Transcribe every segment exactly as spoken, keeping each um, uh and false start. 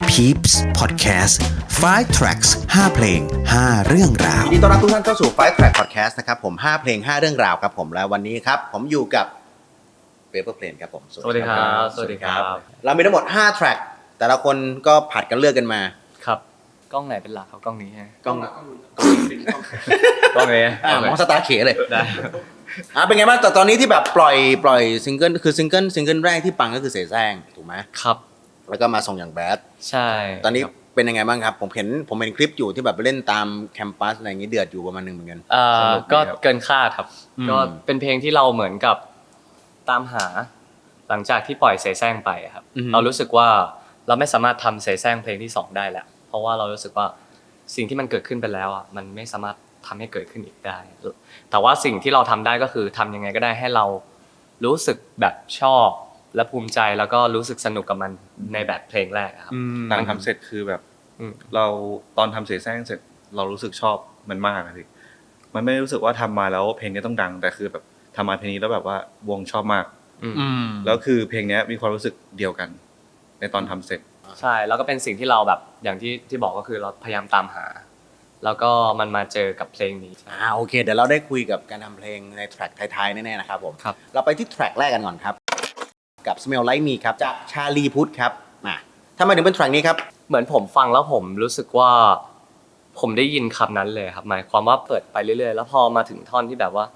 Peeps Podcast ไฟว์ Tracks ห้า เพลง ห้า เรื่องราวยินดีต้อนรับทุกท่านเข้าสู่ ไฟว์ Track Podcast นะครับผมห้าเพลงห้าเรื่องราวครับผมและวันนี้ครับผมอยู่กับ Paper Plane ครับผมสวัสดีครับสวัสดีครับเรามีทั้งหมดห้า track แต่ละคนก็ผัดกันเลือกกันมาครับกล้องไหนเป็นหลักครับกล้องนี้ฮะกล้องกล้องนี้อ่ามองสตาร์เขเลยได้อ่ะเป็นไงบ้างแต่ตอนนี้ที่แบบปล่อยปล่อยซิงเกิลคือซิงเกิลซิงเกิลแรกที่ปังก็คือเสแสร้งถูกไหมครับแล้วก็มาส่งอย่างแบดใช่ตอนนี้เป็นยังไงบ้างครับผมเห็นผมเห็นคลิปอยู่ที่แบบไปเล่นตามแคมปัสอะไรอย่างงี้เดือดอยู่ประมาณนึงเหมือนกันเอ่อก็เกินคาดครับก็เป็นเพลงที่เราเหมือนกับตามหาหลังจากที่ปล่อยเสแสร้งไปครับเรารู้สึกว่าเราไม่สามารถทำเสแสร้งเพลงที่สองได้แล้วเพราะว่าเรารู้สึกว่าสิ่งที่มันเกิดขึ้นไปแล้วอ่ะมันไม่สามารถทำให้เกิดขึ้นอีกได้แต่ว่าสิ่งที่เราทำได้ก็คือทำยังไงก็ได้ให้เรารู้สึกแบบชอบและภูมิใจแล้วก็รู้สึกสนุกกับมันในแบบเพลงแรกครับหลังทำเสร็จคือแบบเราตอนทำเสแสร้งเสร็จเรารู้สึกชอบมันมากเลยพี่มันไม่รู้สึกว่าทำมาแล้วเพลงนี้ต้องดังแต่คือแบบทำมาเพลงนี้แล้วแบบว่าวงชอบมากแล้วคือเพลงนี้มีความรู้สึกเดียวกันในตอนทำเสร็จใช่แล้วก็เป็นสิ่งที่เราแบบอย่างที่ที่บอกก็คือเราพยายามตามหาแล้วก็มันมาเจอกับเพลงนี้อ่าโอเคเดี๋ยวเราได้คุยกับการทำเพลงในแทร็กท้ายๆแน่ๆนะครับผมครับเราไปที่แทร็กแรกกันก่อนครับกับ Smell Like Me ครับจากชาลีพุทธครับมาทำไมถึงเป็นแทร็กนี้ครับเหมือนผมฟังแล้วผมรู้สึกว่าผมได้ยินคำนั้นเลยครับหมายความว่าเปิดไปเรื่อยๆแล้วพอมาถึงท่อนที่แบบว่า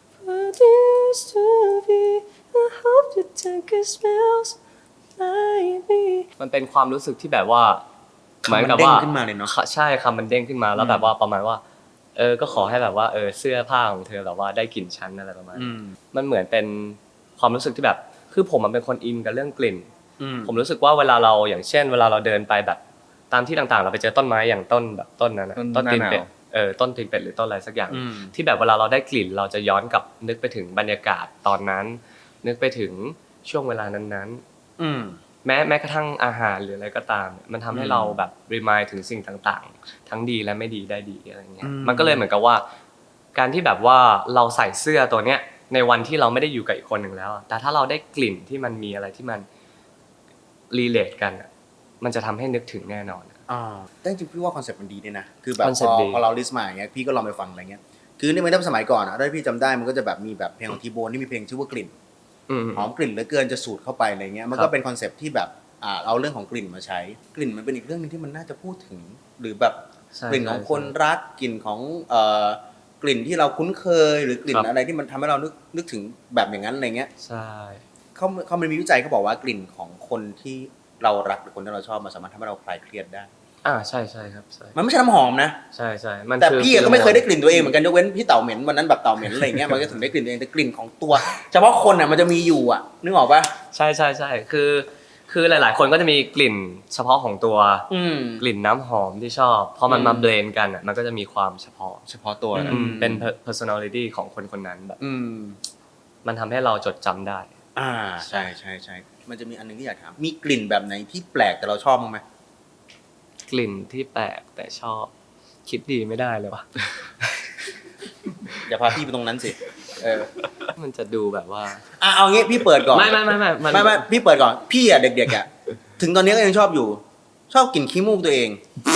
มันเป็นความรู้สึกที่แบบว่าเหมือนกับว่าเด้งขึ้นมาเลยเนาะใช่คำมันเด้งขึ้นมาแล้วแบบว่าประมาณว่าเออก็ขอให้แบบว่าเออเสื้อผ้าของเธอแบบว่าได้กลิ่นฉันอะไรประมาณมันเหมือนเป็นความรู้สึกที่แบบคือผมมันเป็นคนอินกับเรื่องกลิ่นผมรู้สึกว่าเวลาเราอย่างเช่นเวลาเราเดินไปแบบตามที่ต่างๆเราไปเจอต้นไม้อย่างต้นแบบต้นนั้นนะต้นตีนเป็ดเออต้นตีนเป็ดหรือต้นอะไรสักอย่างที่แบบเวลาเราได้กลิ่นเราจะย้อนกลับนึกไปถึงบรรยากาศตอนนั้นนึกไปถึงช่วงเวลานั้นๆแม้แม้กระทั่งอาหารหรืออะไรก็ตามมันทำให้เราแบบรีมายถึงสิ่งต่างๆทั้งดีและไม่ดีได้ดีอะไรเงี้ยมันก็เลยเหมือนกับว่าการที่แบบว่าเราใส่เสื้อตัวเนี้ยในวันที่เราไม่ได้อยู่กับอีกคนหนึ่งแล้วแต่ถ้าเราได้กลิ่นที่มันมีอะไรที่มันรีเลทกันมันจะทำให้นึกถึงแน่นอนอ่าแต่จริงๆพี่ว่าคอนเซ็ปต์มันดีด้วยนะคือแบบพอพอเราลิสต์มาอย่างเงี้ยพี่ก็ลองไปฟังอะไรเงี้ยคือนี่มันตั้งสมัยก่อนอ่ะถ้าพี่จำได้มันก็จะแบบมีแบบเพลงของทีโบนที่มีเพลงชื่อว่ากลิ่นหอมกลิ่นเหลือเกินจะสูดเข้าไปอะไรเงี้ยมันก็เป็นคอนเซ็ปต์ที่แบบอ่าเอาเรื่องของกลิ่นมาใช้กลิ่นมันเป็นอีกเรื่องนึงที่มันน่าจะพูดถึงหรือแบบกลิ่นของคนรักกลิ่นของเอ่อกลิ่นที่เราคุ้นเคยหรือกลิ่นอะไรที่มันทำให้เรานึกนึกถึงแบบอย่างนั้นอะไรเงี้ยใช่เขาเขามันมีวิจัยเขาบอกว่ากลิ่นของคนที่เรารักหรือคนที่เราชอบมันสามารถทำให้เราคลายเครียดได้อ่าใช่ใช่ครับใช่มันไม่ใช่น้ำหอมนะใช่ใช่มันแต่พี่ก็ไม่เคยได้กลิ่นตัวเองเหมือนกันยกเว้นพี่เต่าเหม็นวันนั้นแบบเต่าเหม็นอะไรเงี้ยมันก็ถึงได้กลิ่นตัวเองแต่กลิ่นของตัวเฉพาะคนอ่ะมันจะมีอยู่อ่ะนึกออกป่ะใช่ใช่ใช่คือคือหลายๆคนก็จะมีกลิ่นเฉพาะของตัวกลิ่นน้ำหอมที่ชอบพอมันมาเบลนด์กันอ่ะมันก็จะมีความเฉพาะเฉพาะตัวเป็น personality ของคนคนนั้นแบบมันทำให้เราจดจำได้อ่าใช่ใช่ใช่มันจะมีอันนึงที่อยากถามมีกลิ่นแบบไหนที่แปลกแต่เราชอบมั้ยไหมกลิ่นที่แปลกแต่ชอบคิดดีไม่ได้เลยว่ะอย่าพาพี่ไปตรงนั้นสิเออมันจะดูแบบว่าอ่ะเอางี้พี่เปิดก่อนไม่ไม่ไม่ไม่ไม่ไม่พี่เปิดก่อนพี่อ่ะเด็กๆอ่ะถึงตอนนี้ก็ยังชอบอยู่ชอบกลิ่นขี้มูกตัวเอง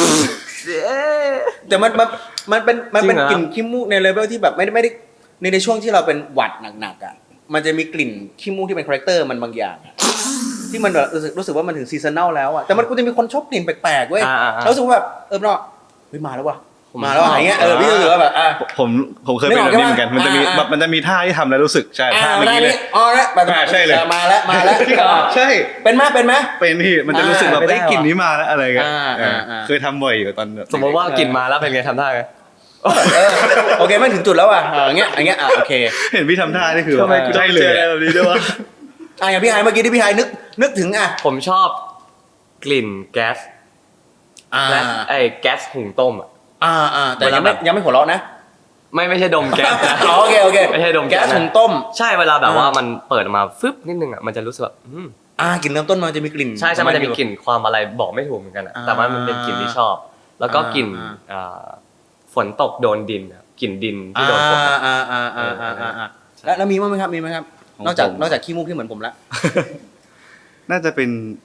แต่มันมันมันเป็นมันเป็นกลิ่นขี้มูกในเลเวลที่แบบไม่ได้ไม่ได้ในในช่วงที่เราเป็นหวัดหนักๆอ่ะมันจะมีกลิ่นขี้มูกที่เป็นคาแรคเตอร์มันบางอย่างที่มันแบบรู้สึกรู้สึกว่ามันถึงซีซันแนลแล้วอ่ะแต่มันก็จะมีคนชอบกลิ่นแปลกๆเว้ยแล้วรู้สึกว่าแบบเออเนาะเฮ้ยมาแล้วว่ะมาแล้วอะไรเงี้ยเออพี่รู้สึกว่าแบบอ่ะผมผมเคยเป็นแบบนี้เหมือนกันมันจะมีแบบมันจะมีท่าที่ทำแล้วรู้สึกใช่ท่าเมื่อกี้เลยอ๋อแล้วแบบใช่เลยมาแล้วมาแล้วใช่เป็นมั้ยเป็นมั้ยเป็นพี่มันจะรู้สึกแบบไอ้กลิ่นนี้มาแล้วอะไรเงี้ยเคยทำบ่อยอยู่ตอนสมมติว่ากลิ่นมาแล้วเป็นไงทำท่าไงโอเคไม่ถึงจุดแล้วอ่ะอย่างเงี้ยอย่างเงี้ยอ่ะโอเคเห็นพี่ทำท่านี่คือใช่เลยแบบนี้ด้วยวะอ่ะอย่างพี่ไฮเมื่อกี้ที่พี่ไฮนึกนึกถึงอ่ะผมชอบกลิ่นแก๊สและไอ้แก๊สหุงต้มอ่ะอ่าอ่าแต่ยังไม่ยังไม่หัวเราะนะไม่ไม่ใช่ดมแก๊สอ๋อโอเคโอเคไม่ใช่ดมแก๊สหุงต้มใช่เวลาแบบว่ามันเปิดมาฟึบนิดนึงอ่ะมันจะรู้สึกแบบอืมอ่ากลิ่นเริ่มต้นมันจะมีกลิ่นใช่ใช่มันจะมีกลิ่นความอะไรบอกไม่ถูกเหมือนกันอ่ะแต่ว่ามันเป็นกลิ่นที่ชอบแล้วก็กลิ่นอ่าฝนตกโดนดินกลิ่นดินที่โดนฝนอ่าอ่าอ่าอ่าอ่าแล้วแล้วมีมั้ยครับมีมั้ยครับนอกจากนอกจากขี้มูกที่เหมือนผมละน่าจะเป็น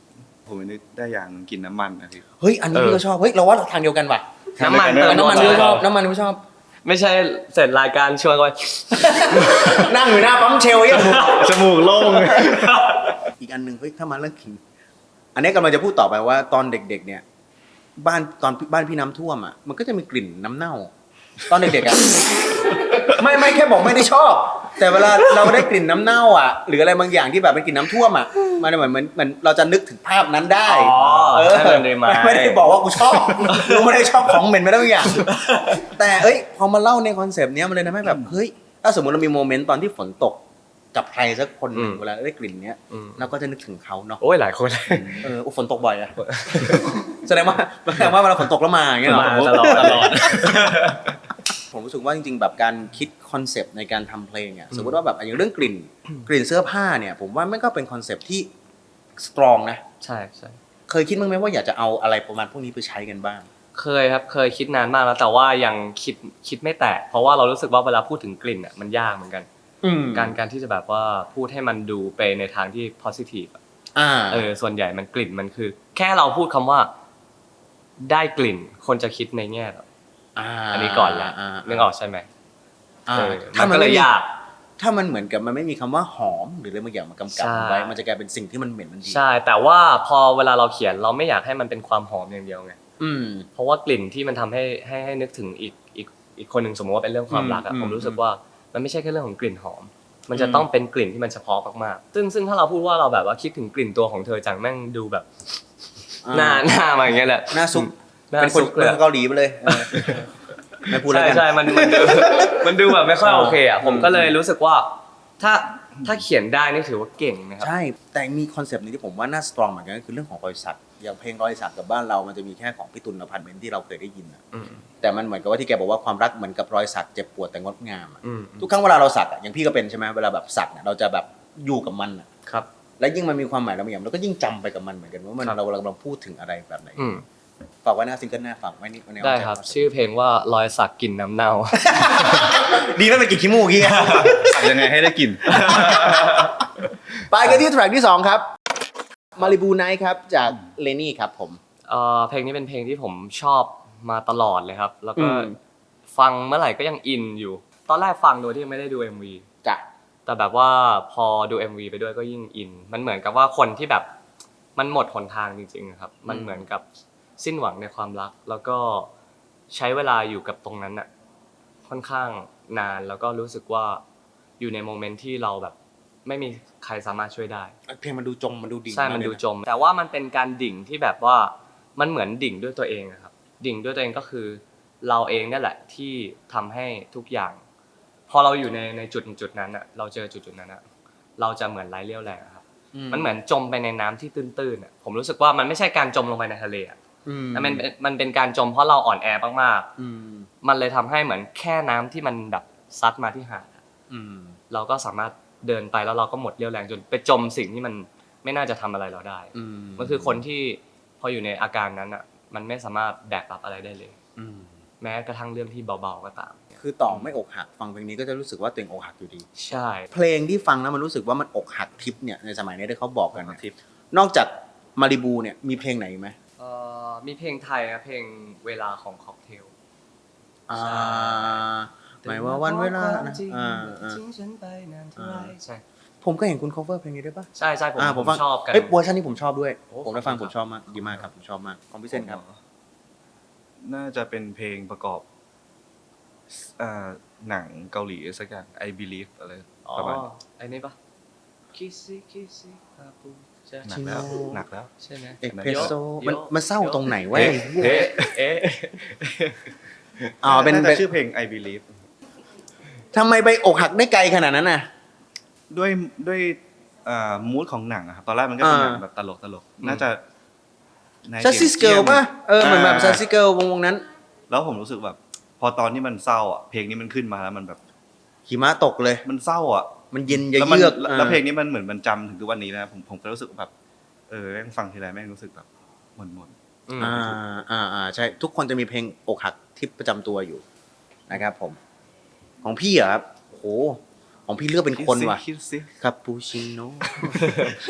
ผมนึกได้อย่างกินน้ำมันนะพี่เฮ้ยอันนี้พี่ก็ชอบเฮ้ยเราว่าทางเดียวกันว่ะน้ำมันเออน้ำมันพี่ก็ชอบน้ำมันพี่ก็ชอบไม่ใช่เสร็จรายการชวนกันนั่งอยู่หน้าปั๊มเชลยังจมูกโล่งเลยอีกอันหนึ่งเฮ้ยถ้ามาเรื่องขิงอันนี้กำลังจะพูดต่อไปว่าตอนเด็กๆเนี่ยบ้านตอนบ้านพี่น้ำท่วมอ่ะมันก็จะมีกลิ่นน้ำเน่า ตอนเด็กๆอ่ะ ไม่ไม่แค่บอกไม่ได้ชอบ แต่เวลาเราได้กลิ่นน้ำเน่าอ่ะหรืออะไรบางอย่างที่แบบเป็นกลิ่นน้ำท่วมอ่ะมันเหมือนเหมือนเหมือนเราจะนึกถึงภาพนั้นได้อ๋อเออให้มันรีมายด์ไม่ได้บอกว่ากูชอบกูไม่ได้ชอบของเหม็นไม่ได้บางอย่าง แต่เอ้ยพอมาเล่าในคอนเซปต์เนี้ยมันเลยทำให้แบบเฮ้ยถ้าสมมติเรามีโมเมนต์ตอนที่ฝนตกกับใครสักคนหนึ่งอืมเวลาได้กลิ่นเนี้ยอืมเราก็จะนึกถึงเขาเนาะโอ้ยหลายคนเอออุ๊ยฝนตกบ่อยอะ แสดงว่าแสดงว่าเวลาฝนตกแล้วมาอย่างเงี้ยเหรอมาตลอดตลอดผมรู้สึกว่าจริงๆแบบการคิดคอนเซปต์ในการทำเพลงอ่ะสมมติว่าแบบอย่างเรื่องกลิ่นกลิ่นเสื้อผ้าเนี่ยผมว่ามันก็เป็นคอนเซปต์ที่สตรองนะใช่ใช่เคยคิดบ้างไหมว่าอยากจะเอาอะไรประมาณพวกนี้ไปใช้กันบ้างเคยครับเคยคิดนานมากแล้วแต่ว่ายังคิดคิดไม่แตกเพราะว่าเรารู้สึกว่าเวลาพูดถึงกลิ่นอ่ะมันยากเหมือนกันอืมการการที่จะแบบว่าพูดให้มันดูไปในทางที่ positive อะอ่าเออส่วนใหญ่มันกลิ่นมันคือ แค่เราพูดคำว่า ได้กลิ่นคนจะคิดในแง่แบบอ่าอันนี้ก่อนละานึกออกใช่ไหมอ่าเออถ้ามันมันก็เลไม่ยมียากถ้ามันเหมือนกับมันไม่มีคำว่าหอมหรืออะไรบางอย่างมากำกับใช่ไว้มันจะกลายเป็นสิ่งที่มันเหม็นมันดีใช่ แต่ว่าพอเวลาเราเขียนเราไม่อยากให้มันเป็นความหอมอย่างเดียวไงอืมเพราะว่ากลิ่นที่มันทำให้ให้ให้นึกถึงอีกอีกอีกคนหนึ่งสมมติว่าเป็นเรื่องความรักอะอืมผมรู้สึกอืมว่ามันไม่ใช่แค่เรื่องของกลิ่นหอม มันจะอืมต้องเป็นกลิ่นที่มันเฉพาะมากๆซึ่งซึ่งถ้าเราพูดว่าเราแบบว่าคิดถึงกลิ่นตัวของเธอจังแม่งดูแบบอ่าหน้าหน้ามาอย่างเงี้ยแหละหน้าซุปหน้าเป็นคนซุกเลยเป็นคนเกาหลีไปเลยเออไม่พูดแล้วใช่กันใช่มันมันดู มันดูแบบไม่ค่อยโอเคอ่ะผมอืมก็เลยรู้สึกว่า ถ้าถ้าเขียนได้นี่ถือว่าเก่งนะครับใช่ แต่มีคอนเซปต์นึงที่ผมว่าน่าสตรองเหมือนกันก็คือเรื่องของรอยสักอย่างเพลงรอยสักกับบ้านเรามันจะมีแค่ของพี่ตุลอพาร์ตเมนต์ที่เราเคยได้ยินอะอืมแต่มันเหมือนกับว่าที่แกบอกว่าความรักเหมือนกับรอยสักเจ็บปวดแต่งดงามอะอืมทุกครั้งเวลาเราสักอะอย่างพี่ก็เป็นใช่ไหมเวลาแบบสักเนี่ยเราจะแบบอยู่กับมันอะครับและยิ่งมันมีความหมายแล้วอย่างเราก็ยิ่งจำไปกับมันเหมือนกันว่ามันครับเรากำลังพูดถึงอะไรแบบไหนอืมฝากไว้หน้าซิงเกิลหน้าฝากไว้นี่ในได้ครับ ชื่อเพลงว่ารอยสักกลิ่นน้ำเน่าดีไม่เป็นกลิ่นขี้มูกกี้สักยังไงให้ได้กลิ่นไปกันที่แทร็กที่สองครับมาริบูไนท์ครับจากเลนี่ครับผมเอ่อเพลงนี้เป็นเพลงที่ผมชอบมาตลอดเลยครับ แล้วก็อืมฟังเมื่อไหร่ก็ยังอินอยู่ ตอนแรกฟังโดยที่ไม่ได้ดู เอ็ม วีจ้ะแต่แบบว่าพอดู เอ็ม วี ไปด้วยก็ยิ่งอิน มันเหมือนกับว่าคนที่แบบมันหมดหนทางจริงๆครับ มันเหมือนกับสิ้นหวังในความรัก แล้วก็ใช้เวลาอยู่กับตรงนั้นน่ะค่อนข้างนานแล้วก็รู้สึกว่าอยู่ในโมเมนต์ที่เราแบบไม่มีใครสามารถช่วยได้เพลงมันดูจมมันดูดิ่งใช่ มันดูจม แต่ว่ามันเป็นการดิ่งที่แบบว่ามันเหมือนดิ่งด้วยตัวเองอะครับ ดิ่งด้วยตัวเองก็คือเราเองนั่นแหละที่ทำให้ทุกอย่าง พอเราอยู่ในในจุดจุดนั้นอะเราเจอจุดจุดนั้นอะเราจะเหมือนไร้เรี่ยวแรงอะครับ มันเหมือนจมไปในน้ำที่ตื้นๆอะผมรู้สึกว่ามันไม่ใช่การจมลงไปในทะเลอะอืมแต่มันเป็นมันเป็นการจมเพราะเราอ่อนแอมากอืมๆมันเลยทำให้เหมือนแค่น้ำที่มันแบบซัดมาที่หาดอะอืมเราก็สามารถเดินไปแล้วเราก็หมดเรี่ยวแรงจนไปจมสิ่งที่มันไม่น่าจะทำอะไรเราได้อืมมันคือคนที่พออยู่ในอาการนั้นอ่ะ มันไม่สามารถแบกรับอะไรได้เลยอืมแม้กระทั่งเรื่องที่เบาๆก็ตามคือต่อไม่อกหักฟังเพลงนี้ก็จะรู้สึกว่าตัวเองอกหักอยู่ดีใช่เพลงที่ฟังแล้วมันรู้สึกว่ามันอกหักทิปเนี่ยในสมัยนี้ที่เขาบอกกันเนี่ยทิปนอกจากมาริบูเนี่ยมีเพลงไหนอีกไหมเอ่อมีเพลงไทยนะเพลงเวลาของค็อกเทลอ่าใช่หมายว่าวันเวลานะอ่าอ่าทิ้งฉันไปนานเท่าไหร่ใช่ผมก็เห็นคุณ cover เพลงนี้ด้วยปะใช่ใช่ผมอ่าผมฟังชอบกันเอ้ยเวอร์ชันนี้ผมชอบด้วยโอ้ผมได้ฟังขผอบคุณมชอบมากดีมากครับผมชอบมากของพี่เซนครับน่าจะเป็นเพลงประกอบอ่าหนังเกาหลีสักอย่าง I Believe อะไรอ๋อประมาณไอ้นี่ปะคิซิคิซิคาปูใช่หนักแล้วจริงเหรอหนักแล้วใช่ไหมเอกเพรสโซโยมันโยมันเศร้าตรงไหนวะเอ๊ะเอ๊ะเอ๊ะอ๋อเป็นน่าเป็จะนชื่อเพลง I Believe ทำไมไปอกหักได้ไกลขนาดนั้นน่ะด้วยด้วยอ่ามูดของหนังอะครับตอนแรกมันก็เป็นหนังอ่าแบบตลกตลกน่าจะในซัสซิสเกิลมป่ะเออเหมือนแบบาซัสซิสเกิลวงวงนั้นแล้วผมรู้สึกแบบ พอตอนที่มันเศร้าอ่ะเพลงนี้มันขึ้นมาแล้วมันแบบหิมะตกเลยมันเศร้าอ่ะมันเย็นเยืแล้วมันอกแล้วเพลงนี้มันเหมือนมันจำถึงทุกวันนี้นะผมผมก็รู้สึกแบบเออแม่งฟังทีไรแม่งรู้สึกแบบหม่นหม่นอืมอ่าอ่าอ่าใช่ทุกคนจะมีเพลงอกหักที่ประจำตัวอยู่นะครับผม ของพี่เหรอครับโอ้โหของพี่เลือกเป็นคนว่ะคิดสิคาปูชิโน่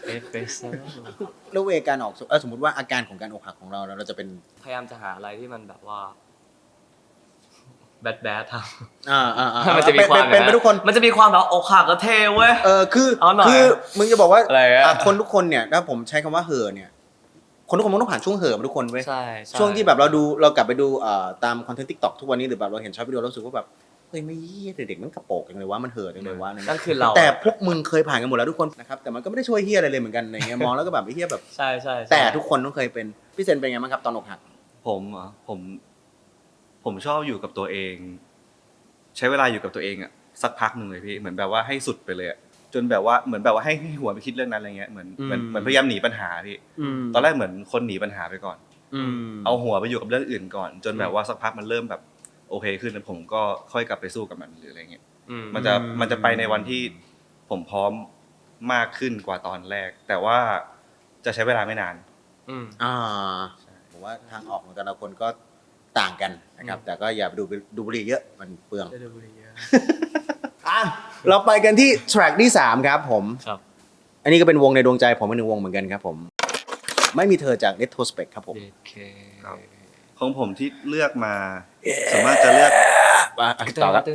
เอสเปรสโซ่แล้วเวการออกเออสมมติว่าอาการของการอกหักของเราเราจะเป็นพยายามจะหาอะไรที่มันแบบว่าแบดแบดทำอ่าอ่าอ่ามันจะมีความเป็นเป็นทุกคนมันจะมีความแบบอกหักแล้วเท่เว้ยเออคือเอาหน่อยคือมึงจะบอกว่าอะไรอะอ่ะคนทุกคนเนี่ยถ้าผมใช้คำว่าเห่อเนี่ยคนทุกคนมันต้องผ่านช่วงเห่อมาทุกคนเว้ยใช่ใช่วงที่แบบเราดูเรากลับไปดูเอ่อตามคอนเทนต์ทิกตอกทุกวันนี้หรือแบบเราเห็นช็อตวิดีโอเรารู้สึกว่าแบบเฮ้ยไม่เหี้ยเด็กๆมันกระโปรงจังเลยว่ามันเห่อจังเลยว่านั่นคือเราแต่พวกมึงเคยผ่านกันหมดแล้วทุกคนนะครับแต่มันก็ไม่ได้ช่วยเฮียอะไรเลยเหมือนกันอะไรเงี้ยมองแล้วก็แบบไอ้เฮียแบบใช่ใช่ใช่แต่ทุกคนต้องเคยเป็นพี่เซนเป็นไงบ้างครับตอนอกหักผมเหรอผมผมชอบอยู่กับตัวเอง ใช้เวลาอยู่กับตัวเองอ่ะสักพักหนึ่งเลยพี่เหมือนแบบว่าให้สุดไปเลยอะจนแบบว่าเหมือนแบบว่าให้ให้หัวไปคิดเรื่องนั้นอะไรเงี้ยเหมือนเหมือนเหมือนพยายามหนีปัญหาพี่ตอนแรกเหมือนคนหนีปัญหาไปก่อนเอาหัวไปอยู่กับเรื่องอื่นก่อน จนแบบว่าสักพักมันเริ่มแบบโอเคขึ้นแล้วผมก็ค่อยกลับไปสู้กับมันหรืออะไรเงี้ยมันจะมันจะไปในวันที่ผมพร้อมมากขึ้นกว่าตอนแรก แต่ว่าจะใช้เวลาไม่นานอืมอ่าผมว่าทางออกของแต่ละคนก็ต่างกันนะครับ แต่ก็อย่าไปดูดูบุหรี่เยอะมันเปลืองได้ดูบุหรี่เยอะอ่ะเราไปกันที่แทร็กที่สามครับผมครับอันนี้ก็เป็นวงในดวงใจผมเป็นหนึ่งวงเหมือนกันครับผม ไม่มีเธอจาก Retrospect ครับผมโอเคครับ ของผมที่เลือกมาสามารถจะเลือกอ่ะต่อครับ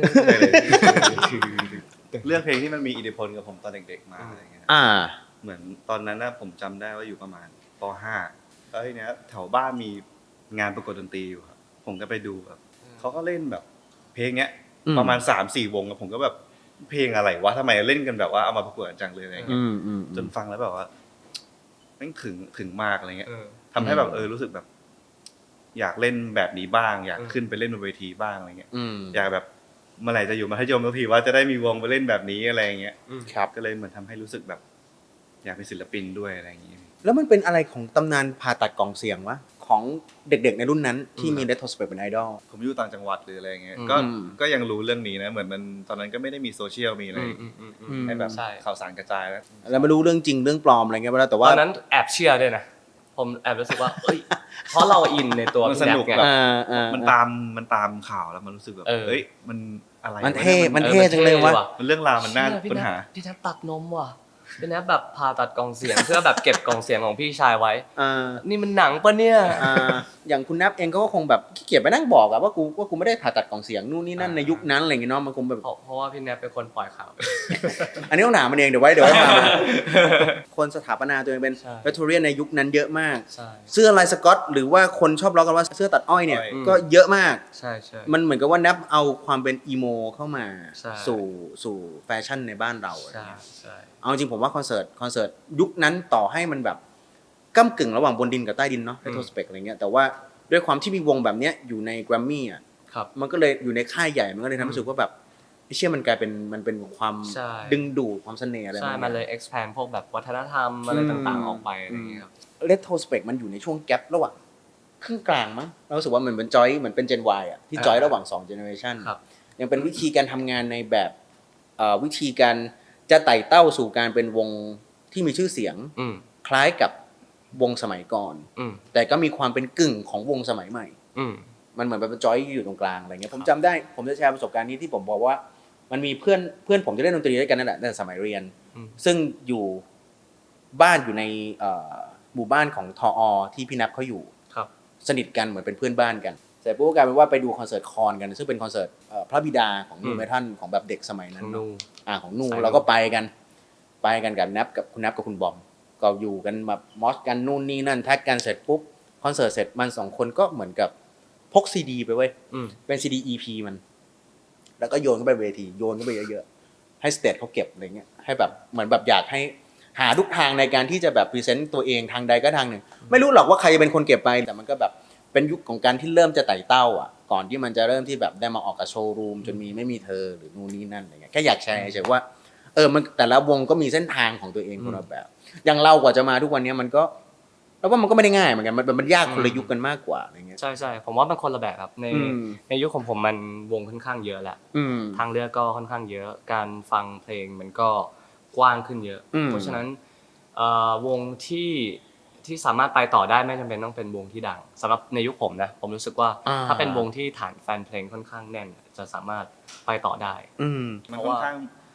เลือกเพลงที่มันมีอิทธิพลกับผมตอนเด็กๆมาอะไรเงี้ยอ่าเหมือนตอนนั้นนะผมจำได้ว่าอยู่ประมาณป .ห้า แล้วทีเนี้ยแถวบ้านมีงานประกวดดนตรีอยู่ครับผมก็ไปดูแบบเขาก็เล่นแบบ เพลงเนี้ยอืมประมาณ สามสี่ วงแล้วผมก็แบบเพลงอะไรวะทำไมเล่นกันแบบว่าเอามาประกวดกันจังเลยอะไรเงี้อืยมอืมจนฟังแล้วแบบว่าแม่งถึงถึงมากอะไรเงี้ยเออทำให้แบบเออรู้สึกแบบ อยากเล่นแบบนี้บ้าง อยากอืมขึ้นไปเล่นบนเวทีบ้างอะไรเงี้ยอืมอยากแบบเมื่อไหร่จะอยู่มัธยมสักทีว่าจะได้มีวงไปเล่นแบบนี้อะไรเงี้ยครับก็เลยเหมือนทำให้รู้สึกแบบ อยากเป็นศิลปินด้วยอะไรอย่างงี้แล้วมันเป็นอะไรของตำนานผ่าตัดกล่องเสียงวะของเด็กๆในรุ่นนั้นที่มี Retrospect เป็นไอดอลผมอยู่ต่างจังหวัดหรืออะไรเงี้ยอืมก็ก็ยังรู้เรื่องนี้นะเหมือนมันตอนนั้นก็ไม่ได้มีโซเชียลมีอะไรอืมอืมอืมอืมให้แบบใช่ข่าวสารกระจายแล้วแล้วไม่รู้เรื่องจริงเรื่องปลอมอะไรเงี้ยไปแล้วแต่ตว่าอนนั้นแอบเชื่อด้วยนะ ผมแอบรู้สึกว่าเอ้ย เพราะเราอินในตัวมันพี่สแน็นุกกไงแบบอ่าอ่ามันตามมันตามข่าวแล้วมันรู้สึกแบบเออเฮ้ยมันอะไรมันวะเท่ยมันเท่จังเลยวะมันเรื่องราวมันน่าเชี่ยพี่ค้นแน็กหาพี่แน็กตัดนมว่ะพี่แน็กแบบผ่าตัดกล่องเสียง เพื่อแบบเก็บกล่องเสียงของพี่ชายไว้อ่านี่มันหนังปะเนี่ยอ่าอย่างคุณนับเองก็คงแบบขี้เกียจไปนั่งบอกอะว่ากูว่ากูไม่ได้ผ่าตัดกล่องเสียงนู่นนี่นั่นอ่าในยุคนั้นอะไรเงี้ยเนาะมันคงแบบเพราะเพราะว่าพี่แน็กเป็นคนปล่อยข่าวอันนี้ต้องถามมันเองเดี๋ยวไว้เดี๋ยวไว้มามาคนสถาปนาตัวเองเป็นใช่เวทเรียนในยุคนั้นเยอะมากใช่เสื้อลายสก๊อตหรือว่าคนชอบล้อกันว่าเสื้อตัดอ้อยเนี่ยอ้อยก็เยอะมากใช่ใช่มันเหมือนกับว่านับเอาความเป็นอีโมเข้ามาใช่สู่สู่แฟชั่นในบ้านเราอะไรใช่เงี้ยใช่เอาจริงผมว่าคอนเสิร์ตคอนเสิร์ตยุคนั้นต่อให้มันแบบก้ากึ่งระหว่างบนดินกับใต้ดินเนาะ Retrospect อะไรเงี้ยแต่ว่าด้วยความที่มีวงแบบเนี้ยอยู่ในแกรมมี่อ่ะครับมันก็เลยอยู่ในค่ายใหญ่มันก็เลยทำให้รู้สึกว่าแบบไอ้เชื่อมันกลายเป็นมันเป็นความใช่ดึงดูดความเสน่ห์อะไรใช่บางอางมันเลย expand พวกแบบวัฒนธรรมอะไรต่างๆออกไปอะไรอย่างเงี้ยครับเรโทรสเปกมันอยู่ในช่วงแกลระหว่างครึ่งกลางมั้งเรารู้สึกว่าเหมือนเป็นจอยเหมือนเป็นเจน Y อ่ะที่จอยอ่าระหว่างสองเจเนอเรชันครับยังเป็นวิธีการทำงานในแบบเอ่อวิธีการจะไต่เต้าสู่การเป็นวงที่มีชื่อเสียงอืมคล้ายกับวงสมัยก่อนอืมแต่ก็มีความเป็นกึ่งของวงสมัยใหม่อืมมันเหมือนเป็นจอยอยู่ตรงกลางอะไรเงี้ยผมจำได้ผมจะแชร์ประสบการณ์นี้ที่ผมบอกว่ามันมีเพื่อนเพื่อนผมจะเล่นดนตรีด้วยกันนั่นแหละตั้งแต่สมัยเรียนอืมซึ่งอยู่บ้านอยู่ในเอ่อหมู่บ้านของทออที่พี่นับเขาอยู่ครับสนิทกันเหมือนเป็นเพื่อนบ้านกันเสร็จปุ๊บก็กลายเป็นว่าไปดูคอนเสิร์ตคอนกัน ซึ่งเป็นคอนเสิร์ตเอ่อพระบิดาของนูอืมเมทัลของแบบเด็กสมัยนั้ขนองเนนูอะอ่าของนูสายนูเราก็ไปกัน ไปกันกับนับกับคุณนับกับคุณบอมก็อยู่กันแบบมอสกันนู่นนี่นั่นแท็กกันเสร็จปุ๊บคอนเสิร์ตเสร็จมันสองคนก็เหมือนกับพกซีดีไปเว้ยอืมเป็นซีดี อี พี มัน แล้วก็โยนเข้าไปเวทีโยนเข้าไปเยอะๆให้สเตจเขาเก็บอะไรเงี้ยให้แบบเหมือนแบบอยากให้หาทุกทางในการที่จะแบบพรีเซนต์ตัวเองทางใดก็ทางหนึ่งไม่รู้หรอกว่าใครจะเป็นคนเก็บไปแต่มันก็แบบเป็นยุคของการที่เริ่มจะไต่เต้าอ่ะก่อนที่มันจะเริ่มที่แบบได้มาออกกับโชว์รูมจนมีไม่มีเธอหรือนู่นนี่นั่นอะไรเงี้ยแค่อยากแชร์เฉยๆว่าเออมันแต่ละวงก็มีเส้นทางของตัวเองคนละแบบ อย่างเรากว่าจะมาทุกวันนี้มันก็แล้วว่ามันก็ไม่ได้ง่ายเหมือนกันมันมันยากคนละยุคกันมากกว่าอะไรเงี้ยใช่ใช่ผมว่ามันคนละแบบครับในอืมในยุคของผมมันวงค่อนข้างเยอะแหละอืมทางเลือกก็ค่อนข้างเยอะ การฟังเพลงมันก็กว้างขึ้นเยอะอืมเพราะฉะนั้นเอ่อวงที่ที่สามารถไปต่อได้ไม่จำเป็นต้องเป็นวงที่ดังสำหรับในยุคผมนะผมรู้สึกว่าอ่าถ้าเป็นวงที่ฐานแฟนเพลงค่อนข้างแน่น จะสามารถไปต่อได้อืมมันเพราะค่อว่านข้าง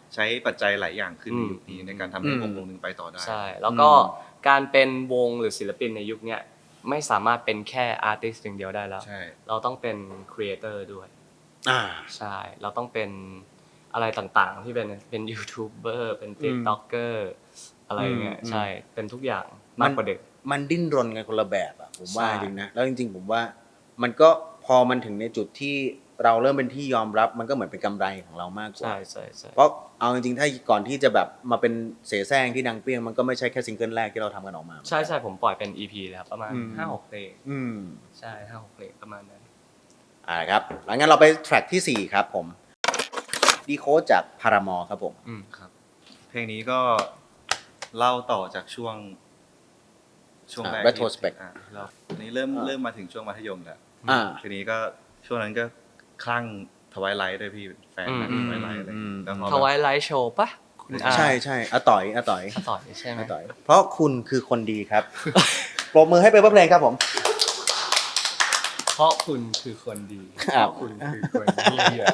ใช้ปัจจัยหลายอย่างขึ้นในยุคนี้ในการทำให้วงวงหนึ่งไปต่อได้ใช่แล้วก็การเป็นวงหรือศิลปินในยุคเนี้ยไม่สามารถเป็นแค่อาร์ติสต์อย่างเดียวได้แล้วเราต้องเป็นครีเอเตอร์ด้วยอ่าใช่เราต้องเป็นอะไรต่างๆที่เป็นเป็นยูทูบเบอร์เป็นติ๊กต็อกเกอร์อะไรเงี้ยใช่เป็นทุกอย่างมากกว่าเด็กมันดิ้นรนกันคนละแบบอ่ะผมว่าจริงนะแล้วจริงๆผมว่ามันก็พอมันถึงในจุดที่เราเริ่มเป็นที่ยอมรับมันก็เหมือนเป็นกำไรของเรามากกว่าใช่ใช่ใช่เพราะเอาจริงๆถ้าก่อนที่จะแบบมาเป็นเสแสร้งที่ดังเปรี้ยงมันก็ไม่ใช่แค่ซิงเกิลแรกที่เราทำกันออกมาใช่ใช่ผมปล่อยเป็น อี พี แล้วประมาณ ห้าหก เพลงอืมใช่ห้าหกเพลงประมาณนั้นอ่าครับหลังงั้นเราไปแทร็กที่สี่ครับผมดีโคดจากพารามอร์ครับผมอืมครับเพลงนี้ก็เล่าต่อจากช่วงช่วงแรก retrospect อ่าเราอันนี้เริ่มเริ่มมาถึงช่วงมัธยมแล้วอ่าทีนี้ก็ช่วงนั้นก็คลั่งทวายไลท์ด้วยพี่แฟนทวายไลท์อะไรแล้วทวายไลท์โชว์ปะใช่ใช่อาต่อยอาต่อยอาต่อยใช่ไหมอาต่อยเพราะคุณคือคนดีครับปรบมือให้เปเปอร์เพลงครับผมเพราะคุณคือคนดีเพราะคุณคือคนดี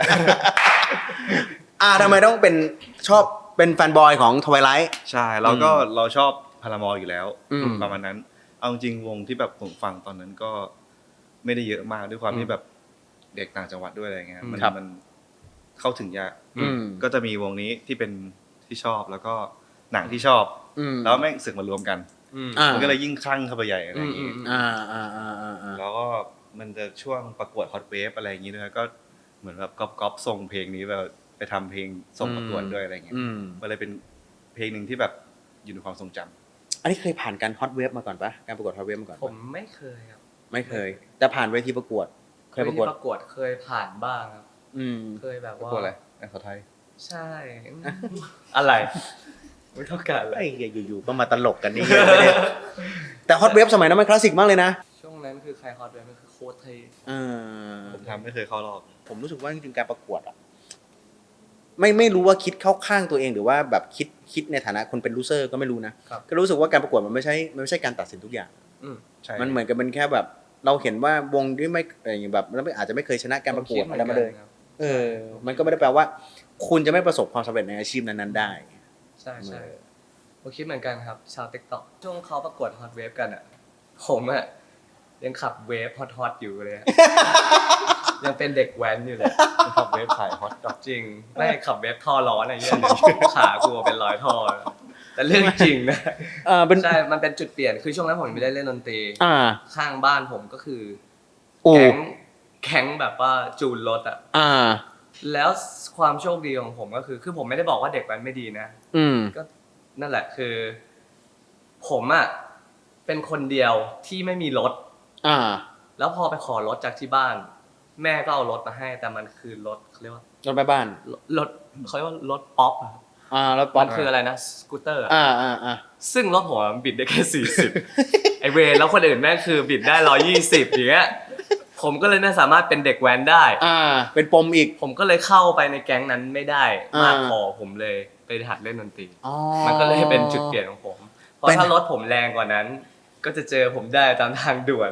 อ่าทำไมต้องเป็นชอบเป็นแฟนบอยของทวายไลท์ใช่แล้วก็เราชอบพารามอร์อยู่แล้วประมาณนั้นเอาจริงวงที่แบบผมฟังตอนนั้นก็ไม่ได้เยอะมากด้วยความที่แบบเด็กต่างจังหวัดด้วยอะไรเงี้ยมันมันเข้าถึงยากก็จะมีวงนี้ที่เป็นที่ชอบแล้วก็หนังที่ชอบแล้วแม่งสึกมารวมกันมันก็เลยยิ่งคลั่งเข้าไปใหญ่อะไรอย่างงี้แล้วก็มันจะช่วงประกวดฮอตเวฟอะไรอย่างงี้ด้วยก็เหมือนแบบก๊อปๆส่งเพลงนี้แบบไปทำเพลงส่งประกวดด้วยอะไรเงี้ยมันเลยเป็นเพลงหนึ่งที่แบบอยู่ในความทรงจำอันนี้เคยผ่านการฮอตเวฟมาก่อนปะการประกวดฮอตเวฟมาก่อนผมไม่เคยครับไม่เคยแต่ผ่านเวทีประกวดเคยประกวดประกวดเคยผ่านบ้างครับเคยแบบว่าประกวดอะไรแอนขอไทยใช่อะไรไม่ต้องการอะไรไอ้อยู่ๆก็มาตลกกันนี่แต่ฮอตเวฟสมัยนั้นมันคลาสสิกมากเลยนะช่วงนั้นคือใครฮอตเวฟมันคือโค้ชไทยผมทำไม่เคยเข้ารอบผมรู้สึกว่าจริงๆการประกวดอ่ะไม่ไม่รู้ว่าคิดเข้าข้างตัวเองหรือว่าแบบคิดคิดในฐานะคนเป็นลูเซอร์ก็ไม่รู้นะก็รู้สึกว่าการประกวดมันไม่ใช่มันไม่ใช่การตัดสินทุกอย่างมันเหมือนกับเป็นแค่แบบเราเห็นว่าวงที่ไม่อย่างแบบแล้วอาจจะไม่เคยชนะการประกวดอะไรมาเลยเออมันก็ไม่ได้แปลว่าคุณจะไม่ประสบความสำเร็จในอาชีพนั้นๆได้ใช่ใช่ผมคิดเหมือนกันครับชาว TikTok ช่วงเขาประกวดฮอตเวฟกันอ่ะผมอ่ะยังขับเวฟฮอตๆอยู่เลยยังเป็นเด็กแว้นอยู่เลยขับเวฟขายฮอตดอกจริงไม่ขับเวฟท่อร้อนอะไรเงี้ยขากูเป็นรอยท่อแต่เรื่องจริงนะใช่มันเป็นจุดเปลี่ยนคือช่วงนั้นผมไม่ได้เล่นดนตรีข้างบ้านผมก็คือแก๊งแก๊งแบบว่าจูนรถอ่ะแล้วความโชคดีของผมก็คือคือผมไม่ได้บอกว่าเด็กแว้นไม่ดีนะก็นั่นแหละคือผมอ่ะเป็นคนเดียวที่ไม่มีรถแล้วพอไปขอรถจากที่บ้านแม่ก็เอารถมาให้แต่มันคือรถเขาเรียกว่ารถแม่บ้านรถเขาเรียกว่ารถป๊อปอ่ะอ่ารถป๊อปคืออะไรนะสกูตเตอร์อ่าอ่าอ่าซึ่งรถผมมันบิดได้แค่สี่สิบไอเวรแล้วคนอื่นแม่งคือบิดได้หนึ่งร้อยยี่สิบอย่างเงี้ยผมก็เลยไม่สามารถเป็นเด็กแว้นได้อ่าเป็นปมอีกผมก็เลยเข้าไปในแก๊งนั้นไม่ได้มากพอผมเลยไปหัดเล่นดนตรีมันก็เลยเป็นจุดเปลี่ยนของผมเพราะถ้ารถผมแรงกว่านั้นก็จะเจอผมได้ตามทางด่วน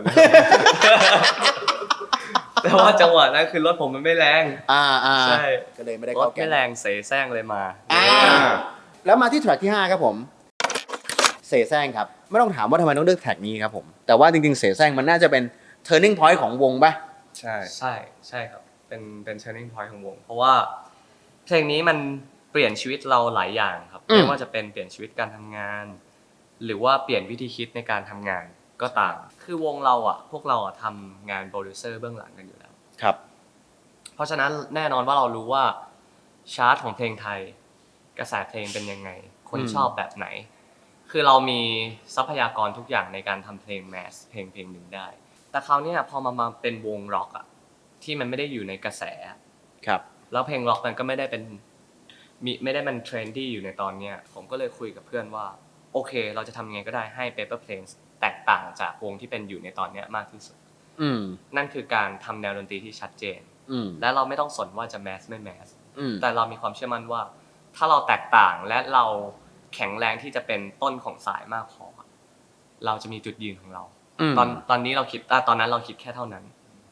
แต่ว่าจังหวะนั้นคือรถผมมันไม่แรงอ่าอ่าใช่ก็เลยไม่ได้เข้าแก๊งรถไม่แรงเสแสร้งเลยมาอ่าแล้วมาที่แทร็กที่ห้าครับผมเสแสร้งครับไม่ต้องถามว่าทำไมต้องเลือกแทร็กนี้ครับผมแต่ว่าจริงๆเสแสร้งมันน่าจะเป็น turning point ของวงป่ะใช่ใช่ใช่ครับเป็นเป็น turning point ของวงเพราะว่าเพลงนี้มันเปลี่ยนชีวิตเราหลายอย่างครับไม่ว่าจะเป็นเปลี่ยนชีวิตการทำงานหรือว่าเปลี่ยนวิธีคิดในการทำงานก็ตามคือวงเราอ่ะพวกเราอ่ะทำงานโปรดิวเซอร์เบื้องหลังกันอยู่แล้วครับเพราะฉะนั้นแน่นอนว่าเรารู้ว่าชาร์ตของเพลงไทยกระแสเพลงเป็นยังไงคนชอบแบบไหนคือเรามีทรัพยากรทุกอย่างในการทำเพลงแมสเพลงเพลงหนึ่งได้แต่คราวนี้พอมามาเป็นวงร็อกอ่ะที่มันไม่ได้อยู่ในกระแสครับแล้วเพลงร็อกมันก็ไม่ได้เป็นมีไม่ได้มันเทรนดี้อยู่ในตอนเนี้ยผมก็เลยคุยกับเพื่อนว่าโอเคเราจะทำยังไงก็ได้ให้ Paper Planes แตกต่างจากวงที่เป็นอยู่ในตอนนี้มากที่สุดนั่นคือการทำแนวดนตรีที่ชัดเจนและเราไม่ต้องสนว่าจะแมสไม่แมสแต่เรามีความเชื่อมั่นว่าถ้าเราแตกต่างและเราแข็งแรงที่จะเป็นต้นของสายมากพอเราจะมีจุดยืนของเราตอนตอนนี้เราคิดตอนนั้นเราคิดแค่เท่านั้น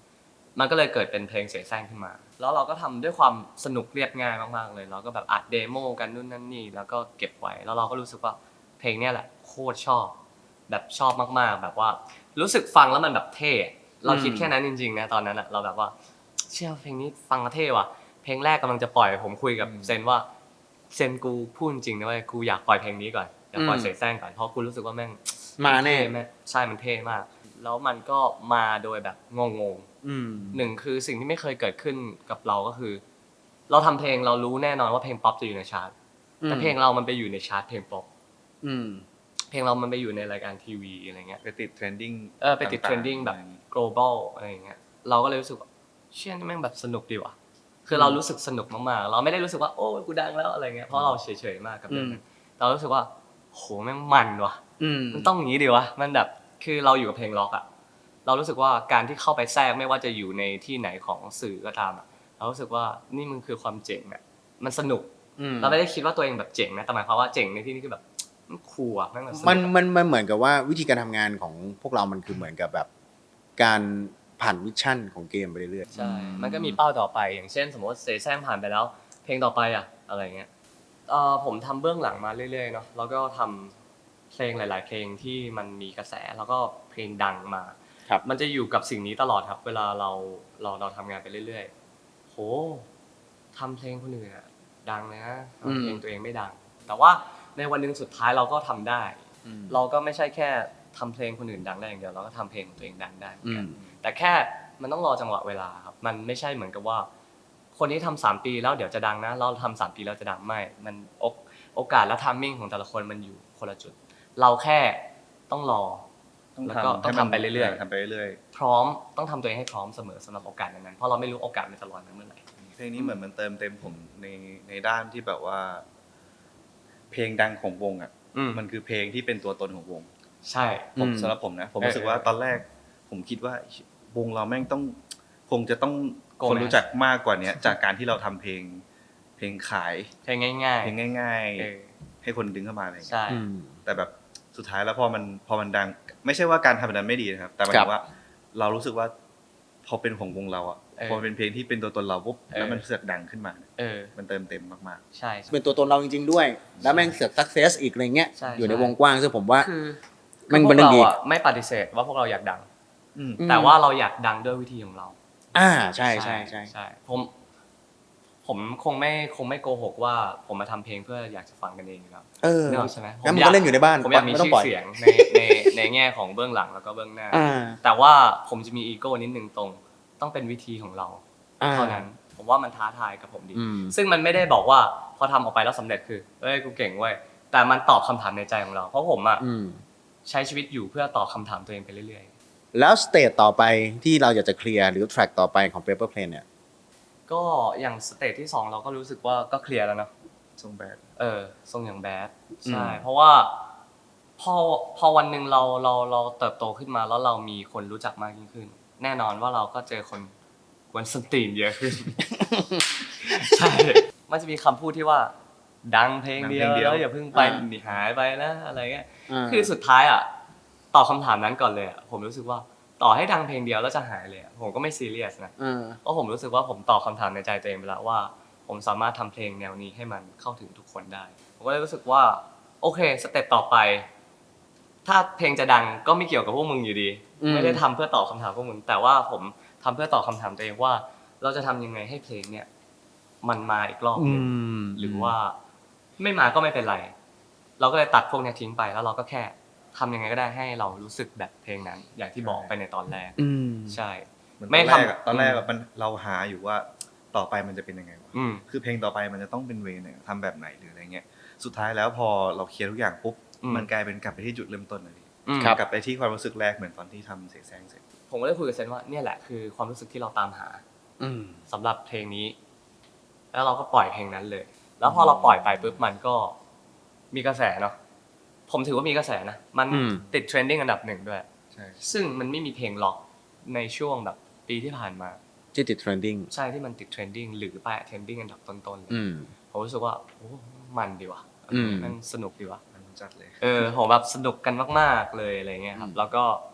มันก็เลยเกิดเป็นเพลงเสแสร้งขึ้นมาแล้วเราก็ทำด้วยความสนุกเรียบง่ายมากๆเลยเราก็แบบอัดเดโมกันนู่นนั่นนี่แล้วก็เก็บไว้แล้วเราก็รู้สึกว่าเพลงเนี้ยแหละโคตรชอบแบบชอบมากๆแบบว่ารู้สึกฟังแล้วมันแบบเท่เราคิดแค่นั้นจริงๆนะตอนนั้นอะเราแบบว่าเชื่อเพลงนี้ฟังแล้วเท่ว่ะเพลงแรกกำลังจะปล่อยผมคุยกับเซนว่าเซนกูพูดจริงนะว่ากูอยากปล่อยเพลงนี้ก่อนอยากปล่อยเสแสร้งก่อนเพราะกูรู้สึกว่าแม่งมาแน่ใช่มันเท่มากแล้วมันก็มาโดยแบบงงๆหนึ่งคือสิ่งที่ไม่เคยเกิดขึ้นกับเราก็คือเราทำเพลงเรารู้แน่นอนว่าเพลงป๊อปจะอยู่ในชาร์ตแต่เพลงเรามันไปอยู่ในชาร์ตเพลงป๊อปเพลงเรามันไปอยู่ในรายการทีวีอะไรเงี้ยไปติดเทรนดิ้งเออไปติดเทรนดิ้งแบบ global อะไรอย่างเงี้ยเราก็เลยรู้สึกว่าเชี่ยนี่แม่งแบบสนุกดีว่ะคือเรารู้สึกสนุกมากๆเราไม่ได้รู้สึกว่าโอ้กูดังแล้วอะไรเงี้ยเพราะเราเฉยๆมากกับเรื่องนั้นเรารู้สึกว่าโหแม่งมันว่ะมันต้องอย่างนี้ดิวะมันแบบคือเราอยู่กับเพลงล็อกอะเรารู้สึกว่าการที่เข้าไปแทรกไม่ว่าจะอยู่ในที่ไหนของสื่อก็ตามอะเรารู้สึกว่านี่มันคือความเจ๋งอะมันสนุกเราไม่ได้คิดว่าตัวเองแบบเจ๋งนะแต่หมายความว่าเจ๋งในที่นี้คือแบบมันคูลอะแม่งมันมันมันมันเหมือนกับว่าวิธีการทำงานของพวกเรามันคือเหมือนกับแบบการผ่านมิชชั่นของเกมไปเรื่อยๆใช่มันก็มีเป้าต่อไปอย่างเช่นสมมติเสแสร้งผ่านไปแล้วเพลงต่อไปอะอะไรเงี้ยเอ่อผมทำเบื้องหลังมาเรื่อยๆเนาะแล้วก็ทำเพลงหลายๆเพลงที่มันมีกระแสแล้วก็เพลงดังมาครับมันจะอยู่กับสิ่งนี้ตลอดครับเวลาเราเราเราทำงานไปเรื่อยๆโหทำเพลงคนอื่นอะดังเลยนะเพลงตัวเองไม่ดังแต่ว่าในวันหนึ่งสุดท้ายเราก็ทำได้เราก็ไม่ใช่แค่ทำเพลงคนอื่นดังได้อย่างเดียวเราก็ทำเพลงของตัวเองดังได้เหมือนกันแต่แค่มันต้องรอจังหวะเวลาครับมันไม่ใช่เหมือนกับว่าคนที่ทำสามปีแล้วเดี๋ยวจะดังนะเราทำสามปีแล้วจะดังไม่มันโอกาสและทัมมิ่งของแต่ละคนมันอยู่คนละจุดเราแค่ต้องรอแล้วก็ต้องทำไปเรื่อยๆทำไปเรื่อยๆพร้อมต้องทำตัวเองให้พร้อมเสมอสำหรับโอกาสนั้นๆเพราะเราไม่รู้โอกาสมันจะลอยมาเมื่อไหร่เพลงนี้เหมือนมันเติมเต็มผมในในด้านที่แบบว่าเพลงดังของวงอ่ะมันคือเพลงที่เป็นตัวตนของวงใช่ผมสำหรับผมนะผมรู้สึกว่าตอนแรกผมคิดว่าวงเราแม่งต้องคงจะต้องคนรู้จักมากกว่านี้จากการที่เราทำเพลงเพลงขายเพลงง่ายๆเพลงง่ายๆให้คนดึงเข้ามาอะไรอย่างเงี้ยแต่แบบสุดท้ายแล้วพอมันพอมันดังไม่ใช่ว่าการทำแบบนั้นไม่ดีนะครับแต่หมายถึงว่าเรารู้สึกว่าพอเป็นของวงเราอ่ะพอเป็นเพลงที่เป็นตัวตนเราปุ๊บแล้วมันเสือกดังขึ้นมามันเติมเต็มมากๆใช่เป็นตัวตนเราจริงๆด้วยแล้วแม่งเสือกซักเซสอีกอะไรเงี้ยอยู่ในวงกว้างซึ่งผมว่ามันเป็นเรื่องดีไม่ปฏิเสธว่าพวกเราอยากดังแต่ว่าเราอยากดังด้วยวิธีของเราอ่าใช่ใช่ใช่ใช่ผมผมคงไม่คงไม่โกหกว่าผมมาทำเพลงเพื่ออยากจะฟังกันเองครับเออใช่ไหมผมก็เล่นอยู่ในบ้านผมอยากมีชื่อเสียงในในในแง่ของเบื้องหลังแล้วก็เบื้องหน้าแต่ว่าผมจะมีอีโก้นิดนึงตรงต้องเป็นวิธีของเราเท่านั้นผมว่ามันท้าทายกับผมดีซึ่งมันไม่ได้บอกว่าพอทำออกไปแล้วสำเร็จคือเอ้ยกูเก่งเว้ยแต่มันตอบคำถามในใจของเราเพราะผมอ่ะใช้ชีวิตอยู่เพื่อตอบคำถามตัวเองไปเรื่อยๆแล้วสเตจต่อไปที่เราอยากจะเคลียร์หรือแทร็กต่อไปของ Paper Plane เนี่ยก็อย่างสเตจที่สองเราก็รู้สึกว่าก็เคลียร์แล้วเนาะทรงแบดเออทรงอย่างแบดใช่เพราะว่าพอพอวันนึงเราเราเราเติบโตขึ้นมาแล้วเรามีคนรู้จักมากยิ่งขึ้นแน่นอนว่าเราก็เจอคนกวนส้นตีนเยอะขึ้นใช่มันจะมีคำพูดที่ว่าดังเพลงเดียวแล้วอย่าเพิ่งไปหนีหายไปนะอะไรเงี้ยคือสุดท้ายอ่ะตอบคำถามนั้นก่อนเลยอ่ะผมรู้สึกว่าต่อให้ดังเพลงเดียวแล้วจะหายเลยผมก็ไม่ซีเรียสนะเพราะผมรู้สึกว่าผมตอบคำถามในใจตัวเองไปแล้วว่าผมสามารถทำเพลงแนวนี้ให้มันเข้าถึงทุกคนได้ผมก็เลยรู้สึกว่าโอเคสเต็ปต่อไปถ้าเพลงจะดังก็ไม่เกี่ยวกับพวกมึงอยู่ดีไม่ได้ทำเพื่อตอบคำถามพวกมึงแต่ว่าผมทำเพื่อตอบคำถามตัวเองว่าเราจะทำยังไงให้เพลงเนี่ยมันมาอีกรอบนึงหรือว่าไม่มาก็ไม่เป็นไรเราก็เลยตัดพวกนี้ทิ้งไปแล้วเราก็แค่ทำยังไงก็ได้ให้เรารู้สึกแบบเพลงนั้นอย่างที่บอกไปในตอนแรกใช่ไม่ทำตอนแรกมันเราหาอยู่ว่าต่อไปมันจะเป็นยังไงวะคือเพลงต่อไปมันจะต้องเป็นเวย์ไหนทำแบบไหนหรืออะไรเงี้ยสุดท้ายแล้วพอเราเคลียร์ทุกอย่างปุ๊บมันกลายเป็นกลับไปที่จุดเริ่มต้นเลยกลับไปที่ความรู้สึกแรกเหมือนตอนที่ทำเสแสร้งเสร็จผมก็ได้คุยกับเซนว่าเนี่ยแหละคือความรู้สึกที่เราตามหาสำหรับเพลงนี้แล้วเราก็ปล่อยเพลงนั้นเลยแล้วพอเราปล่อยไปปุ๊บมันก็มีกระแสเนาะผมถือว่ามีกระแสนะมันติดเทรนดิ้งอันดับหนึ่งด้วยซึ่งมันไม่มีเพลงล็อกในช่วงแบบปีที่ผ่านมาที่ติดเทรนดิ้งใช่ที่มันติดเทรนดิ้งหรือไปเทรนดิ้งอันดับต้นๆเลยผมรู้สึกว่าโอ้มันดีว่ะมันสนุกดีว่ะมันจัดเลยเออผมแบบสนุกกันมากๆเลยอะไรเงี้ยครับแล้วก็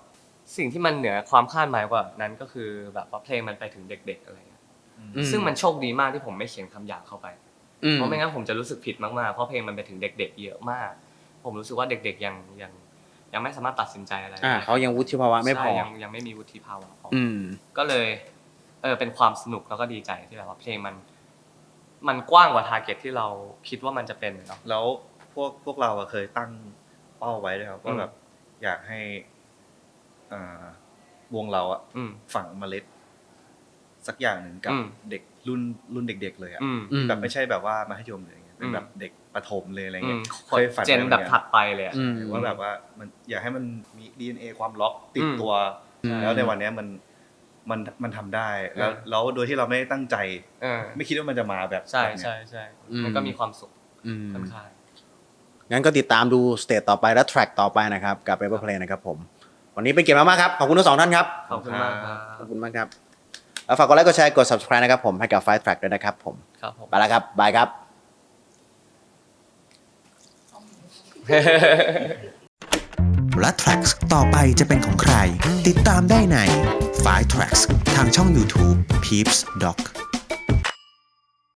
สิ่งที่มันเหนือความคาดหมายกว่านั้นก็คือแบบว่าเพลงมันไปถึงเด็กๆอะไรเงี้ยซึ่งมันโชคดีมากที่ผมไม่เขียนคำหยาบเข้าไปเพราะไม่งั้นผมจะรู้สึกผิดมากๆเพราะเพลงมันไปถึงเด็กๆเยอะมากผมรู้สึกว่าเด็กๆยังยังยังไม่สามารถตัดสินใจอะไรได้เขายังวุฒิภาวะไม่พอยังยังไม่มีวุฒิภาวะพอก็เลยเออเป็นความสนุกแล้วก็ดีใจที่แบบว่าเพลงมันมันกว้างกว่าทาร์เก็ตที่เราคิดว่ามันจะเป็นเนาะแล้วพวกพวกเราเคยตั้งเป้าไว้ด้วยครับว่าแบบอยากให้วงเราอะฝังเมล็ดสักอย่างหนึ่งกับเด็กรุ่นรุ่นเด็กๆเลยอะแบบไม่ใช่แบบว่ามัธยมเลยเป็นแบบเด็กประถมเลยอะไรเงี้ยเคยฝันเจนแบบถัดไปเลยว่าแบบว่ามันอยากให้มันมี ดี เอ็น เอ ความล็อกติดตัวแล้วในวันนี้มันมันมันทำได้แล้วแล้วโดยที่เราไม่ตั้งใจไม่คิดว่ามันจะมาแบบใช่ใช่ใช่มันก็มีความสุขค่อนข้างงั้นก็ติดตามดูสเตจต่อไปและแทร็กต่อไปนะครับกับ Paper Plane นะครับผมวันนี้เป็นเกียรติมากๆครับขอบคุณทั้งสองท่านครับขอบคุณมากครับขอบคุณมากครับแล้วฝากกดไลค์กดแชร์กด Subscribe นะครับผมให้กับ Five Track ด้วยนะครับผมครับผมไปแล้วครับบายครับและ Tracks ต่อไปจะเป็นของใครติดตามได้ใน Five Tracks ทางช่อง YouTube Peeps Doc